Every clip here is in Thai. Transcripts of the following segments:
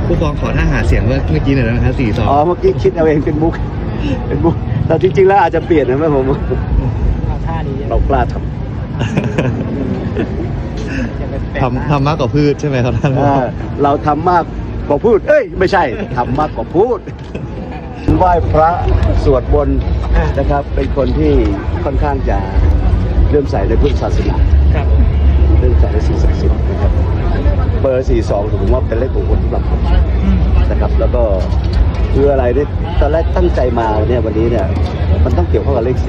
ผู้กองขอท่าหาเสียงเมื่อกี้หน่อยนะครับ4-2 เมื่อกี้คิดเอาเองเป็นมุกแต่จริงๆแล้วอาจจะเปลี่ยนนะแม่ผมท่านี้เรากล้าทำมากกว่าพืชใช่ไหมครับท่านเราทำมากกว่าพูดไม่ใช่ทำมากกว่าพูดไหว้พระสวดมนต์นะครับเป็นคนที่ค่อนข้างจะเริ่อมใส่ในพุทธศาสนาเริ่อมใส่ในสิ่งศักดิ์สิทธิ์นะครับเบอร์42ผมว่าเป็นเลขมงคลสำหรับผมนะครับแล้วก็คืออะไรเนี่ยตอนแรกตั้งใจมาเนี่ยวันนี้เนี่ยมันต้องเกี่ยวข้องกับเลข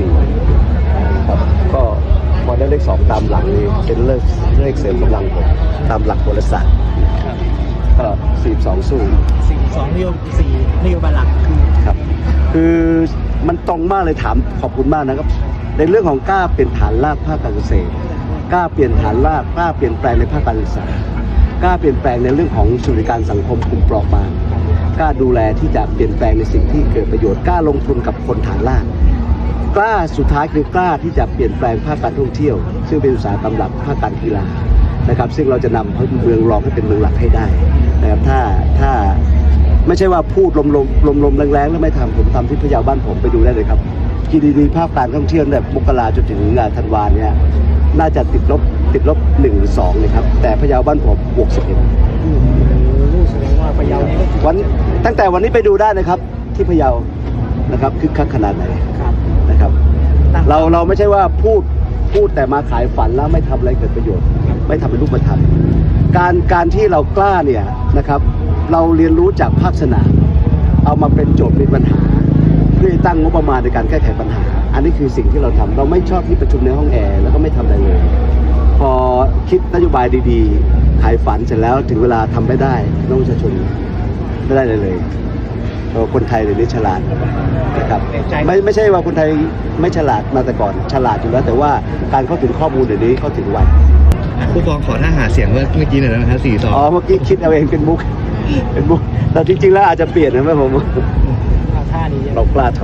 4ครับก็พอได้เลข2ตามหลังนี่เป็นเลขเสริมกำลังผมตามหลักโหราศาสตร์ก็42สู้ 42นโยบายหลักครับคือมันตรงมากเลยถามขอบคุณมากนะครับในเรื่องของกล้าเปลี่ยนฐานรากภาคการเกษตรกล้าเปลี่ยนฐานรากกล้าเปลี่ยนแปลงในภาคการศึกษากล้าเปลี่ยนแปลงในเรื่องของสวัสดิการสังคมกลุ่มเปราะบางกล้าดูแลที่จะเปลี่ยนแปลงในสิ่งที่เกิดประโยชน์กล้าลงทุนกับคนฐานรากกล้าสุดท้ายคือกล้าที่จะเปลี่ยนแปลงภาคการท่องเที่ยวซึ่งเป็นอุตสาหกรรมหลักภาคการกีฬานะครับซึ่งเราจะนำเมืองรองให้เป็นเมืองหลักให้ได้นะครับถ้าไม่ใช่ว่าพูดลมแรงๆแล้วไม่ทำผมทำที่พะเยาบ้านผมไปดูได้เลยครับ GDP ภาคการท่องเที่ยวแบบมกราจนถึงธันวาเนี่ยน่าจะติดลบ1 หรือ 2เลยครับแต่พะเยาบ้านผมบวก11 แสดงว่าพะเยานี่ตั้งแต่วันนี้ไปดูได้นะครับที่พะเยานะครับคึกคักขนาดไหนนะครับเราไม่ใช่ว่าพูดแต่มาขายฝันแล้วไม่ทำอะไรเกิดประโยชน์ไม่ทำเป็นรูปธรรมการที่เรากล้าเนี่ยนะครับเราเรียนรู้จากภาคสนามเอามาเป็นโจทย์เป็นปัญหาเพื่อตั้งงบประมาณในการแก้ไขปัญหาอันนี้คือสิ่งที่เราทำเราไม่ชอบที่ประชุมในห้องแอร์แล้วก็ไม่ทำอะไรเลยพอคิดนโยบายดีๆขายฝันเสร็จแล้วถึงเวลาทำไม่ได้น้องประชาชนไม่ได้เลยคนไทยเดี๋ยวนี้ฉลาดนะครับไม่ใช่ว่าคนไทยไม่ฉลาดมาแต่ก่อนฉลาดอยู่แล้วแต่ว่าการเข้าถึงข้อมูลเดี๋ยวนี้เข้าถึงไวผู้กองขอท่าหาเสียงเมื่อกี้หน่อยนะครับ4-2 เมื่อกี้คิดเอาเองเป็นมุกแต่จริงๆแล้วอาจจะเปลี่ยนนะแม่ผมท่านี้เรากล้า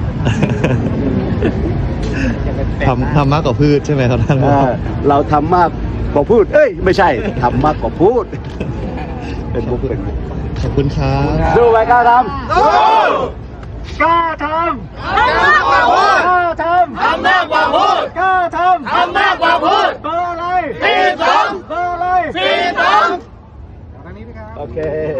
ทำมากกว่าพืชใช่ไหมครับท่านเราทำมากกว่าพูดไม่ใช่ทำมากกว่าพูดเป็นมุกขอบคุณครับสู้ไปกล้าทำกล้าทำทำมากกว่าพูดกล้าทำมากกว่าพูดกล้าทำมากกว่าพูดเบอร์อะไร42เบอร์อะไร42โอเค